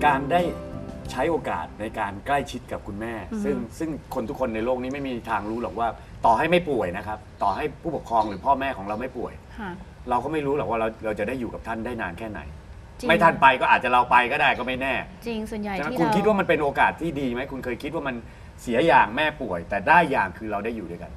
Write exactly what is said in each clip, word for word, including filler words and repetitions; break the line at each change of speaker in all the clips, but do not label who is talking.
การได้ใช้โอกาสในการใกล้ชิดกับคุณแม่ ซึ่งซึ่งคนทุกคนในโลกนี้ไม่มีทางรู้หรอกว่าต่อให้ไม่ป่วยนะครับ ต่อให้ผู้ปกครองหรือพ่อแม่ของเราไม่ป่วยเราก็ไม่รู้หรอกว่าเราเราจะได้อยู่กับท่านได้นานแค่ไหนไม่ท่านไปก็อาจจะเราไปก็ได้ก็ไม่แน่
จริงส่วนใหญ่ที่
คุณคิดว่ามันเป็นโอกาสที่ดีไหมคุณเคยคิดว่ามันเสียอย่างแม่ป่วย แต่ได้อย่างคือเราได้อยู่ด้วยกัน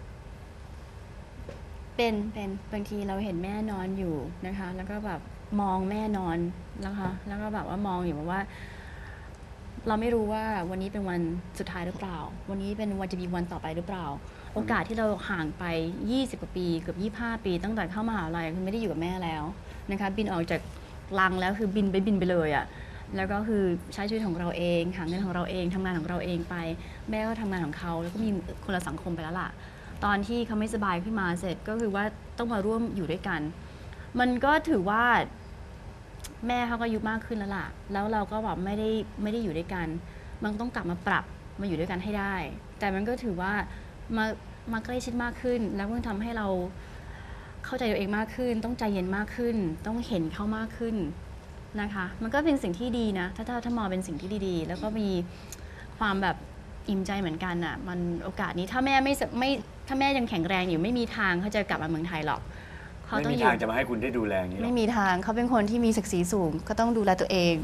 เป็นเป็นบางทีเราเห็นแม่นอนอยู่นะคะแล้วก็แบบมองแม่นอนนะคะแล้วก็แบบว่ามองอยู่ว่าเราไม่รู้ว่าวันนี้เป็นวันสุดท้ายหรือเปล่าวันนี้เป็นวันจะมีวันต่อไปหรือเปล่าโอกาสที่เราห่างไปยี่สิบกว่าปีเกือบยี่สิบห้าปีตั้งแต่เข้ามหาลัยคือไม่ได้อยู่กับแม่แล้วนะคะบินออกจากรังแล้วคือบินไปบินไปเลยอะ่ะแล้วก็คือใช้ชีวิตของเราเองหาเงินของเราเองทำงานของเราเองไปแม่ก็ทำงานของเขาแล้วก็มีคนละสังคมไปแล้วล่ะตอนที่เขาไม่สบายขึ้นมาเสร็จก็คือว่าต้องมาร่วมอยู่ด้วยกันมันก็ถือว่าแม่เขาก็อายุมากขึ้นแล้วล่ะแล้วเราก็แบบไม่ได้ไม่ได้อยู่ด้วยกันมันต้องกลับมาปรับมาอยู่ด้วยกันให้ได้แต่มันก็ถือว่ามามาใกล้ชิดมากขึ้นแล้วมันทำให้เราเข้าใจตัวเองมากขึ้นต้องใจเย็นมากขึ้นต้องเห็นเขามากขึ้นนะคะมันก็เป็นสิ่งที่ดีนะถ้าถ้าถ้ามองเป็นสิ่งที่ดีๆแล้วก็มีความแบบอิ่มใจเหมือนกันอ่ะมันโอกาสนี้ถ้าแม่ไม่ไม่ถ้าแม่ยังแข็งแรงอยู่ไม่มีทางเขาจะกลับมาเมืองไทยหรอก
เขาไม่มีทางจะมาให้คุณได้ดูแลอย่างนี้
ไม่มีทางเขาเป็นคนที่มีศักดิ์ศรีสูงก็ต้องดูแลตัวเอง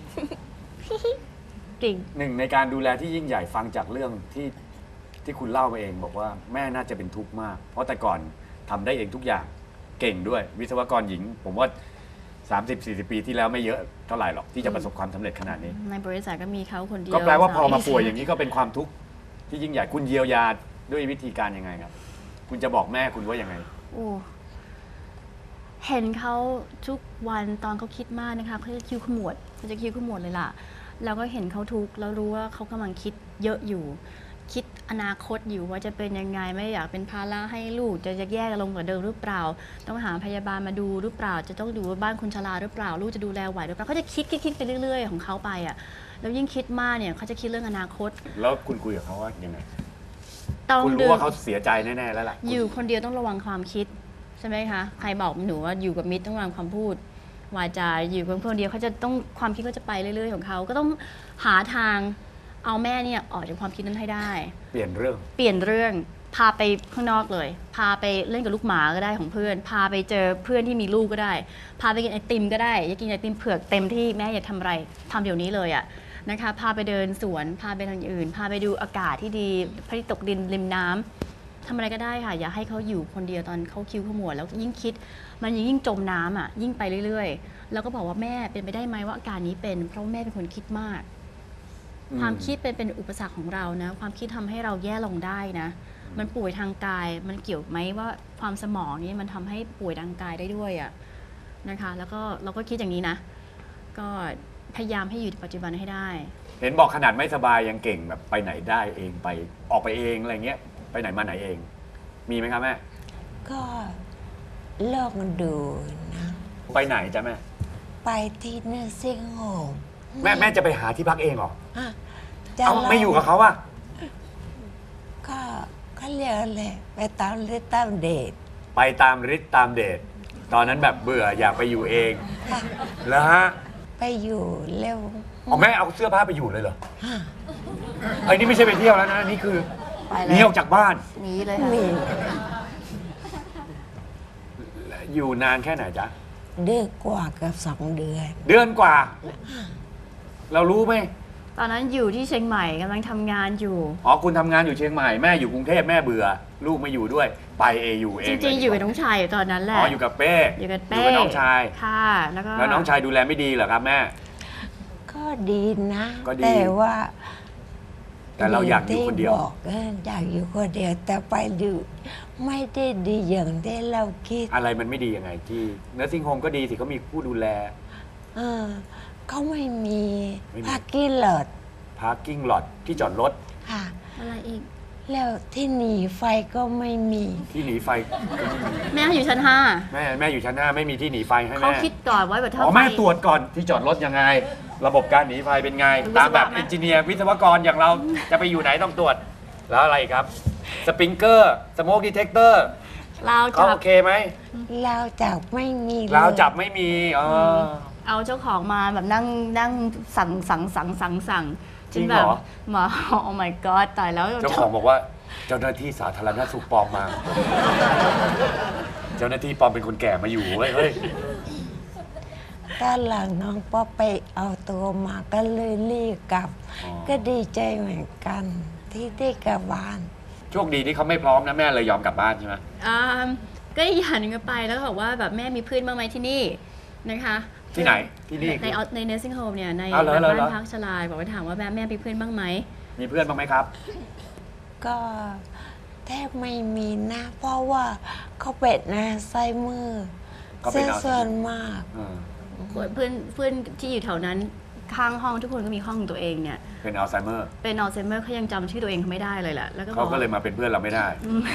จริง
หนึ่งในการดูแลที่ยิ่งใหญ่ฟังจากเรื่องที่ที่คุณเล่ามาเองบอกว่าแม่น่าจะเป็นทุกข์มากเพราะแต่ก่อนทำได้เองทุกอย่างเก่งด้วยวิศวกรหญิงผมว่า สามสิบสี่สิบ ปีที่แล้วไม่เยอะเท่าไหร่หรอกที่จะประสบความสำเร็จขนาดนี้
ในบริษัทก็มีเขาคนเดียว
ก็แปลว่าพอมาป่วยอย่างนี้ก็เป็นความทุกข์ที่ยิ่งใหญ่คุณเยียวยาด้วยวิธีการยังไงครับคุณจะบอกแม่คุณว่ายังไง
โอ้เห็นเขาทุกวันตอนเขาคิดมากนะคะเขาจะคิ้วขมวดเขาจะคิ้วขมวดเลยล่ะแล้วก็เห็นเขาทุกข์แล้วรู้ว่าเขากำลังคิดเยอะอยู่คิดอนาคตอยู่ว่าจะเป็นยังไงไม่อยากเป็นภาระให้ลูกจะจะแย่ลงกว่าเดิมหรือเปล่าต้องหาพยาบาลมาดูหรือเปล่าจะต้องดูว่าบ้านคุณชราหรือเปล่าลูกจะดูแลไหวหรือเปล่าเขาจะคิดคิดคิดไปเรื่อยๆของเขาไปอ่ะแล้วยิ่งคิดมากเนี่ยเขาจะคิดเรื่องอนาคต
แล้วคุณคุยกับเขาว่ายังไงคุณรู้ว่าเขาเสียใจแน่ๆแล้วล่ะ
อยู่คนเดียวต้องระวังความคิดใช่ไหมคะใครบอกหนูว่าอยู่กับมิตรต้องระวังความพูดวาจาอยู่กับคนเดียวเขาจะต้องความคิดก็จะไปเรื่อยๆของเขาก็ต้องหาทางเอาแม่เนี่ยออกจากความคิดนั้นให้ได้
เปลี่ยนเรื่อง
เปลี่ยนเรื่องพาไปข้างนอกเลยพาไปเล่นกับลูกหมาก็ได้ของเพื่อนพาไปเจอเพื่อนที่มีลูกก็ได้พาไปกินไอติมก็ได้อยากกินไอติมเผือกเต็มที่แม่อยากทำอะไรทำเดี๋ยวนี้เลยอ่ะนะคะพาไปเดินสวนพาไปทางอื่นพาไปดูอากาศที่ดีพระอาทิตย์ตกดินริมน้ำทำอะไรก็ได้ค่ะอย่าให้เขาอยู่คนเดียวตอนเขาคิ้วขมวดแล้วยิ่งคิดมันยิ่งจมน้ำอ่ะยิ่งไปเรื่อยๆแล้วก็บอกว่าแม่เป็นไปได้ไหมว่าอาการนี้เป็นเพราะแม่เป็นคนคิดมากความคิดเป็นเป็นอุปสรรคของเรานะความคิดทำให้เราแย่ลงได้นะมันป่วยทางกายมันเกี่ยวไหมว่าความสมองนี่มันทำให้ป่วยทางกายได้ด้วยอ่ะนะคะแล้วก็เราก็คิดอย่างนี้นะก็พยายามให้อยู่ในปัจจุบันให้ได้
เห็นบอกขนาดไม่สบายยังเก่งแบบไปไหนได้เองไปออกไปเองอะไรเงี้ยไปไหนมาไหนเองมีไหมครับแม่
ก็เลิกมันดูนะ
ไปไหนจ๊ะแม่
ไปที่เนอร์ซิ่งโฮม
แม่แม่จะไปหาที่พักเองเหรอ
เอา
ไม่อยู่กับเขาอะ
ก็ก็เรียกเลยไปตามฤทธิ์ตามเดช
ไปตามฤทธิ์ตามเดชตอนนั้นแบบเบื่ออยากไปอยู่เองแล้วฮะ
ไปอยู่เร็ว
อ๋อแม่เอาเสื้อผ้าไปอยู่เลยเหรอไอ้นี่ไม่ใช่ไปเที่ยวแล้วนะนี่คือหนีออกจากบ้าน
หนีเลยค่ะ
อยู่นานแค่ไหนจ๊ะ
เดือนกว่ากับสองเดือน
เดือนกว่าเรารู้ไหม
ตอนนั้นอยู่ที่เชียงใหม่กำลังทำงานอยู่
อ๋อคุณทำงานอยู่เชียงใหม่แม่อยู่กรุงเทพแม่เบื่อลูกไม่อยู่ด้วยไปเออยู่เอง
จริงๆอยู่กับน้องชายตอนนั้นแหละ
อ๋ออยู่กับเป้
อยู่กับเป้
อยู่กับน้องชาย
ค่ะแล้วก็
แล้วน้องชายดูแลไม่ดีเหรอครับแม่
ก็ดีนะแต่ว่า
แต่เราอยากอยู่คนเดียว
บอกอยากอยู่คนเดียวแต่ไปดูไม่ได้ดีอย่างที่เราคิด
อะไรมันไม่ดียังไงที่เนอร์ซิ่งโฮมก็ดีสิเขามีผู้ดูแล
เออเขาไม่มีพาร์กิ้งลอต
พาร์กิ้งลอตที่จอดรถ
ค่ะ
อะไรอีก
แล้วที่หนีไฟก็ไม่มี
ที่หนีไฟ
แม่อยู่ชั้นห้า
แม่แม่อยู่ชั้นห้าไม่มีที่หนีไฟให้แม่
เขาคิดก่อนไว้แบบเท่า
อ๋อแม่ตรวจก่อนที่จอดรถยังไงระบบการหนีไฟเป็นไงตามแบบเอนจิเนียร์วิศวกรอย่างเราจะไปอยู่ไหนต้องตรวจแล้วอะไรครับสปริงเกอร์สโมกดีเทคเตอร์
ราวจับ
โอเคไหม
ราวจับไม่มี
ราวจับไม่มีอ๋อ
เอาเจ้าของมาแบบนั่งนั่งสั่งสั่งสั่งสั่งสั่ง
จริง
แบ
เหร
บ
อ
มา โอ้ my god ตายแล้ว
เจ้าของบอกว่าเจ้าหน้าที่สาธารณสุขปลอมมา เจ้าหน้าที่ปลอมเป็นคนแก่มาอยู่เว้ยเฮ้ย
ตอนหลังน้องป๊อปไปเอาตัวมาก็เลยรีบกลับ
อ๋อ
ก็ดีใจเหมือนกันที่ได้กลับบ้าน
โชคดีที่เขาไม่พร้อมนะแม่เลยยอมกลับบ้านใช่ไหม
อ่าก็อีกอย่างหนึงก็ไปแล้วก็บอกว่าแบบแม่มีเพื่อนบ้างไหมที่นี่นะคะ
ที่ไหนที่นี่
ในใน nursing home เนี่ยใน
อ้าวเหรอเหรอ
บ้านพักชราบอกว่าถามว่าแม่แม่มีเพื่อนบ้างไหม
มีเพื่อนบ้างไหมครับ
ก็แทบไม่มีนะเพราะว่าเขาเป็นอาไซเมอร์
เขาเป็น
เสีย
อัลไซเมอร์
ส่วนมาก
อืม
เพื่อนเพื่อนเพื่อนที่อยู่แถวนั้นข้างห้องทุกคนก็มีห้องของตัวเองเนี่ย
เป็นอัลไซเมอร์
เป็นอัลไซเมอร์เขายังจำชื่อตัวเองเขาไม่ได้เลยแหละแล้วก็บ
เขา
อก
ก็เลยมาเป็นเพื่อนเราไม่ได้
อืม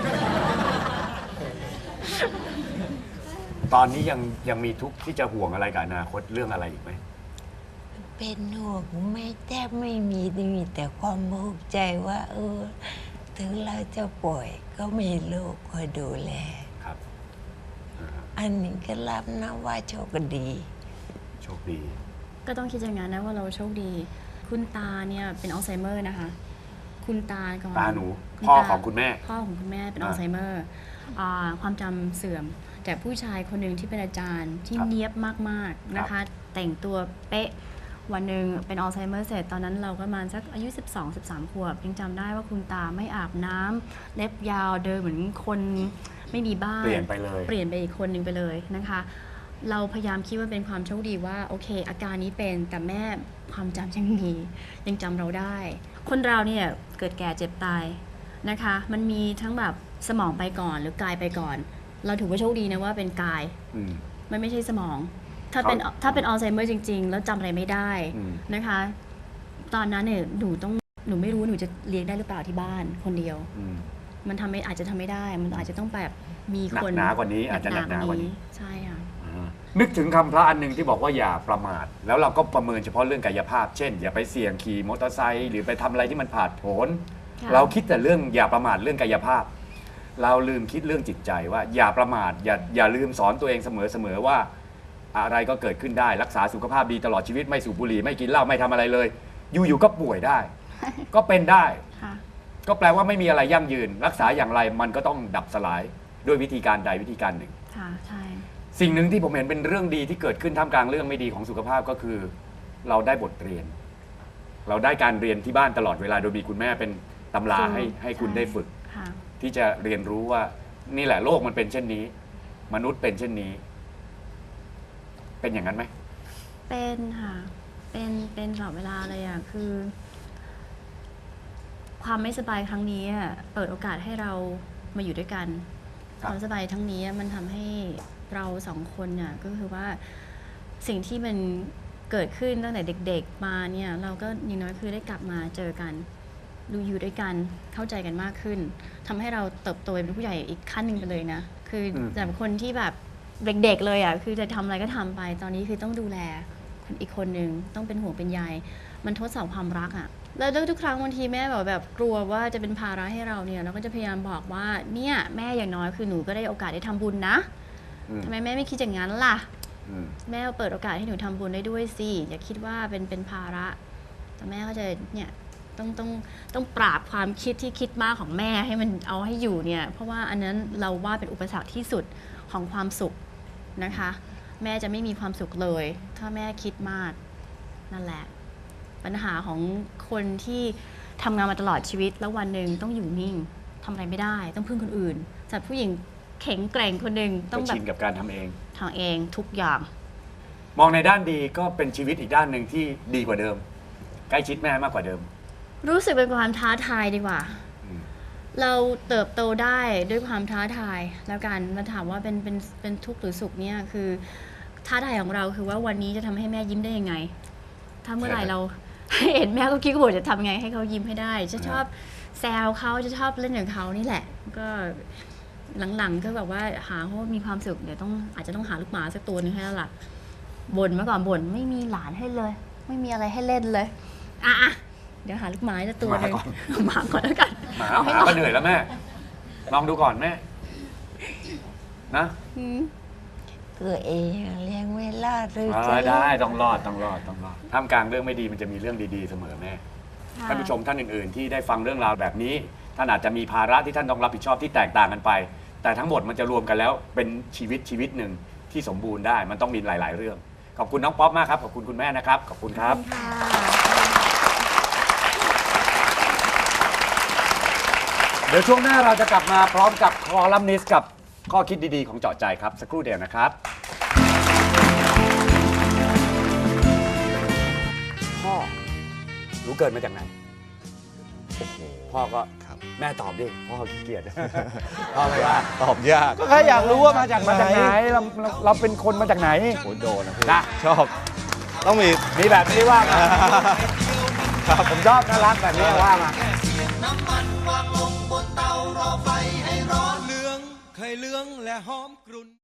ตอนนี้ยังยังมีทุกข์ที่จะห่วงอะไรกับอนาคตเรื่องอะไรอีกไหม
เป็นห่วงไม่แทบไม่มีมีแต่ความภูมิใจว่า เออ ถึงเราจะป่วยก็มีลูกคอยดูแล
ครับอ่าฮะ
อันนี้ก็รับนะว่าโชคดี
โชคดี
ก็ต้องคิดอย่างนั้นนะว่าเราโชคดี คุณตาเนี่ยเป็นอัลไซเมอร์นะคะ คุณตาก่อน
ตาหนู
คุณ
พ่อ
ตา
ของคุณแม่
พ่อของคุณแม่เป็น
อ่า
อัลไซเมอร์อ่าความจำเสื่อม แต่ผู้ชายคนหนึ่งที่เป็นอาจารย์ที่
ครับ
เนียบมากๆนะคะ แต่งตัวเป๊ะวันหนึ่งเป็นอัลไซเมอร์เสร็จตอนนั้นเราก็ประมาณสักอายุ สิบสอง สิบสาม ขวบยังจำได้ว่าคุณตาไม่อาบน้ำเล็บยาวเดินเหมือนคนไม่มีบ้าน
เปลี่ยนไปเลย
เปลี่ยนไปอีกคนหนึ่งไปเลยนะคะ เราพยายามคิดว่าเป็นความโชคดีว่าโอเค อาการนี้เป็นแต่แม่ความจำยังมียังจำเราได้ คนเราเนี่ยเกิดแก่เจ็บตายนะคะ มันมีทั้งแบบสมองไปก่อนหรือกายไปก่อน เราถือว่าโชคดีนะว่าเป็นกาย
อืม
มันไม่ใช่สมอง ถ้าเป็น
เขา
ถ้าเป็นอัลไซเมอร์จริง ๆ แล้วจำอะไรไม่ได้
อืม
นะคะ ตอนนั้นเนี่ยหนูต้องหนูไม่รู้หนูจะเลี้ยงได้หรือเปล่าที่บ้านคนเดียว
อืม
มันทำไม่อาจจะทำไม่ได้ มันอาจจะต้องแบบมี
หนั
ค
ก
น
หนากว่านี้อาจจะหนักหนากว่านี้
ใช่ค่ะ
อ่านึกถึงคำพระอันหนึ่งที่บอกว่าอย่าประมาท แล้วเราก็ประเมินเฉพาะเรื่องกายภาพ เช่น อย่าไปเสี่ยงขี่มอเตอร์ไซค์หรือไปทำอะไรที่มันผาดโผน
ค่ะ
เราคิดแต่เรื่องอย่าประมาทเรื่องกายภาพ เราลืมคิดเรื่องจิตใจว่าอย่าประมาทอย่าอย่าลืมสอนตัวเองเสมอๆว่า อะไรก็เกิดขึ้นได้รักษาสุขภาพดีตลอดชีวิตไม่สูบบุหรี่ไม่กินเหล้าไม่ทำอะไรเลย อยู่ๆก็ป่วยได้ ก็เป็นได้
ค่ะ
ก็แปลว่าไม่มีอะไรยั่งยืน รักษาอย่างไรมันก็ต้องดับสลายด้วยวิธีการใดวิธีการหนึ่ง
ค่ะ ใช่
สิ่งหนึ่งที่ผมเห็นเป็นเรื่องดีที่เกิดขึ้นท่ามกลางเรื่องไม่ดีของสุขภาพก็คือ เราได้บทเรียน เราได้การเรียนที่บ้านตลอดเวลาโดยมีคุณแม่เป็นตำราให้ให้คุณได้ฝึก
ค่ะ
ที่จะเรียนรู้ว่านี่แหละโลกมันเป็นเช่นนี้ มนุษย์เป็นเช่นนี้ เป็นอย่างนั้นไหม
เป็นค่ะ เป็น เป็นตลอดเวลาเลยอ่ะ คือ ความไม่สบายครั้งนี้อะเปิดโอกาสให้เรามาอยู่ด้วยกัน
ครับ
ความสบายทั้งนี้มันทำให้เราสองคนน่ะก็คือว่าสิ่งที่มันเกิดขึ้นตั้งแต่เด็กๆมาเนี่ย เราก็อย่างน้อยคือได้กลับมาเจอกัน ดูอยู่ด้วยกันเข้าใจกันมากขึ้นทำให้เราเติบโตเป็นผู้ใหญ่อีกขั้นหนึ่งไปเลยนะ คืออ
ม
จากคนที่แบบเด็กๆเลยอ่ะคือจะทำอะไรก็ทำไปตอนนี้คือต้องดูแลคนอีกคนหนึ่งต้องเป็นห่วงเป็นใยมันทดสอบความรักอ่ะแล้วทุกครั้งบางทีแม่แบบแบบกลัวว่าจะเป็นภาระให้เราเนี่ยเราก็จะพยายามบอกว่าเนี่ยแม่อย่างน้อยคือหนูก็ได้โอกาสได้ทำบุญนะ
อืม
ทำไมแม่ไม่คิดอย่างนั้นล่ะ
อืม
แม่เปิดโอกาสให้หนูทำบุญได้ด้วยสิอย่าคิดว่าเป็นเป็นภาระ แต่แม่ก็จะเนี่ยต้องต้องต้องปราบความคิดที่คิดมากของแม่ให้มันเอาให้อยู่เนี่ยเพราะว่าอันนั้นเราว่าเป็นอุปสรรคที่สุดของความสุขนะคะ แม่จะไม่มีความสุขเลย ถ้าแม่คิดมากนั่นแหละ ปัญหาของคนที่ทำงานมาตลอดชีวิต แล้ววันหนึ่งต้องอยู่นิ่งทำอะไรไม่ได้ ต้องพึ่งคนอื่นจากผู้หญิงแข็งแกร่งคนหนึ่งต้
ก็
องแบ
ชิ
บ
นกับการทำเอง
ทางเองทุกอย่าง
มองในด้านดีก็เป็นชีวิตอีกด้านหนึ่งที่ดีกว่าเดิม ใกล้ชิดแม่มากกว่าเดิม
รู้สึกเป็นความท้าทายดีกว่า
อืม
เราเติบโตได้ด้วยความท้าทาย แล้วกันมาถามว่าเป็นเป็นเป็นทุกข์หรือสุขเนี่ยคือท้าทายของเราคือว่าวันนี้จะทำให้แม่ยิ้มได้ยังไง ถ้าเมื่อไหร่เรา เห็นแม่ก็คิดว่าจะทำไงให้เขายิ้มให้ได้ จะชอบแซวเขาจะชอบเล่นกับเขานี่แหละ ก็หลังๆก็แบบว่าหาเขามีความสุขเดี๋ยวต้องอาจจะต้องหาลูกหมาสักตัวหนึงให้แล้วล่ะบ่นเมื่อก่อนบ่นไม่มีหลานให้เลย ไม่มีอะไรให้เล่นเลยอ่ะๆเดี๋ยวหาลูกหมาสักตัวหนึง
หมาก่อน
หมาก่อนแล้วกัน
หมา
เอ
ห
ให้
มา
น้อง
ก็เหนื่อยแล้วแม่ ลองดูก่อนแม่ นะ
อืม
คตัวเองเลี้ยงไม่รอดหรือ
อ่า
จะ
ได้ต้องรอดต้องรอดต้องรอดท่ามกลางเรื่องไม่ดีมันจะมีเรื่องดีๆเสมอแม่
ค่ะ
ท่านผู้ชมท่านอื่นๆ ที่ได้ฟังเรื่องราวแบบนี้ท่านอาจจะมีภาระที่ท่านต้องรับผิดชอบที่แตกต่างกันไป แต่ทั้งหมดมันจะรวมกันแล้วเป็นชีวิตชีวิตหนึ่งที่สมบูรณ์ได้มันต้องมีหลาย ๆ เรื่องขอบคุณน้องป๊อปมากครับขอบคุณคุณแม่นะครับขอบคุณครับ
ค่ะ
เดี๋ยวช่วงหน้าเราจะกลับมาพร้อมกับคอลัมนิสต์กับข้อคิดดีๆของเจาะใจครับสักครู่เดียวนะครับพ่อรู้เกิดมาจากไหนพ่อก็
ครับ
แม่ตอบดิพ่อขี้เกียจ พ่อไม่ว่า
ตอบยาก
ก็แค่อยากรู้ว่ามาจากมาจากไหนเราเราเราเป็นคนมาจากไหน
โหโดนนะพี่
นะ
ชอบ ต้องมี
มีแบบนี้ว่ามาผมชอบน่ารักแบบนี้ว่ามา
น้ำมันวางลงบนเตารอไฟให้ร้อนเหลืองเคยเหลืองและหอมกรุ่น